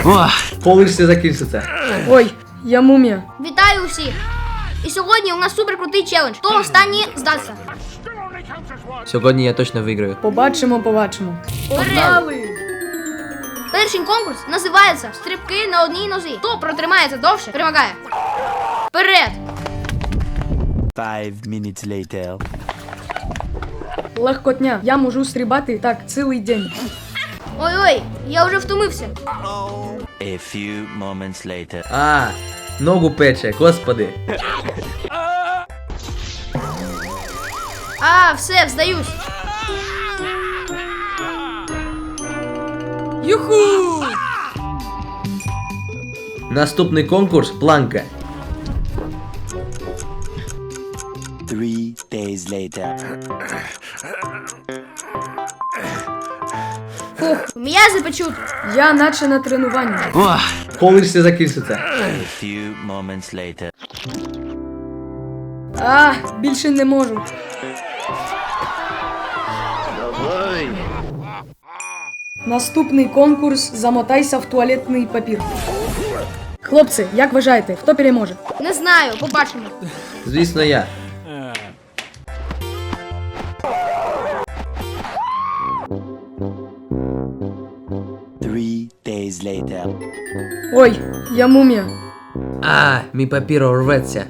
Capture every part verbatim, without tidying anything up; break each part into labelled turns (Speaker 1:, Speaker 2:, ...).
Speaker 1: Коли ж це закінчиться?
Speaker 2: Ой, я мумія.
Speaker 3: Вітаю усіх! І сьогодні у нас супер крутий челендж. Хто останній здасться?
Speaker 1: Сьогодні я точно виграю.
Speaker 2: Побачимо, побачимо.
Speaker 3: Погнали! Перший конкурс називається «Стрибки на одній нозі». Хто протримається довше, перемагає. Вперед!
Speaker 4: Five minutes later.
Speaker 2: Легкотня. Я можу стрибати так цілий день.
Speaker 3: Ой-ой, я вже втомився.
Speaker 4: A few moments later.
Speaker 1: А, ногу пече, господи.
Speaker 3: А, все, здаюсь.
Speaker 2: Юху!
Speaker 1: Наступний конкурс планка.
Speaker 4: Three days later.
Speaker 3: Фух, м'язи печуть.
Speaker 2: Я наче на тренуванні.
Speaker 1: Коли ж це закінчиться?
Speaker 4: A few moments later.
Speaker 2: А, більше не можу. Наступний конкурс «Замотайся в туалетний папір». Хлопці, як вважаєте, хто переможе?
Speaker 3: Не знаю, побачимо.
Speaker 1: Звісно, я.
Speaker 4: Three days later.
Speaker 2: Ой, я мумія.
Speaker 1: А, мій папір рветься.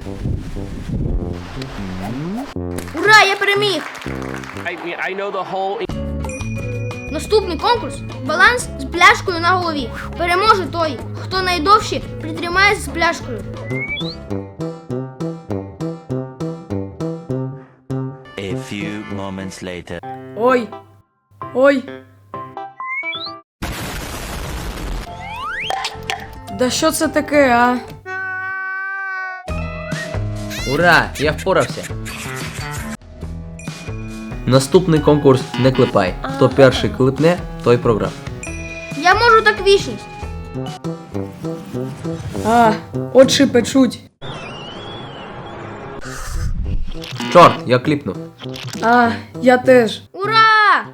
Speaker 3: Ура, я переміг!
Speaker 5: I mean, I know the whole.
Speaker 3: Наступний конкурс – баланс з пляшкою на голові. Переможе той, хто найдовше притримається з пляшкою.
Speaker 4: A few moments later.
Speaker 2: Ой, ой. Да що це таке, а?
Speaker 1: Ура, я впорався. Наступний конкурс не клепай. Хто перший клепне, той програв.
Speaker 3: Я можу так вічність.
Speaker 2: А, очі печуть.
Speaker 1: Чорт, я кліпнув.
Speaker 2: А, я теж.
Speaker 3: Ура!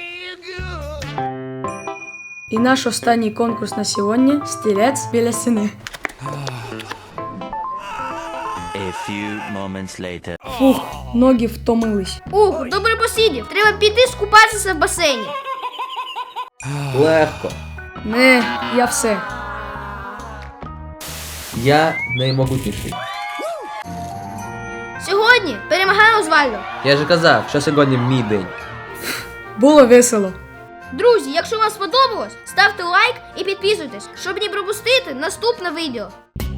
Speaker 2: І наш останній конкурс на сьогодні – стілець біля стіни.
Speaker 4: A few moments later.
Speaker 2: Фух, ноги втомились.
Speaker 3: Ух, добре посидів. Треба піти скупатися в басейні.
Speaker 1: Легко.
Speaker 2: Не, я все.
Speaker 1: Я наймогутніший.
Speaker 3: Сьогодні перемагає Озвальдо.
Speaker 1: Я же казав, що сьогодні мій день.
Speaker 2: Було весело.
Speaker 3: Друзі, якщо вам сподобалось, ставте лайк і підписуйтесь, щоб не пропустити наступне відео.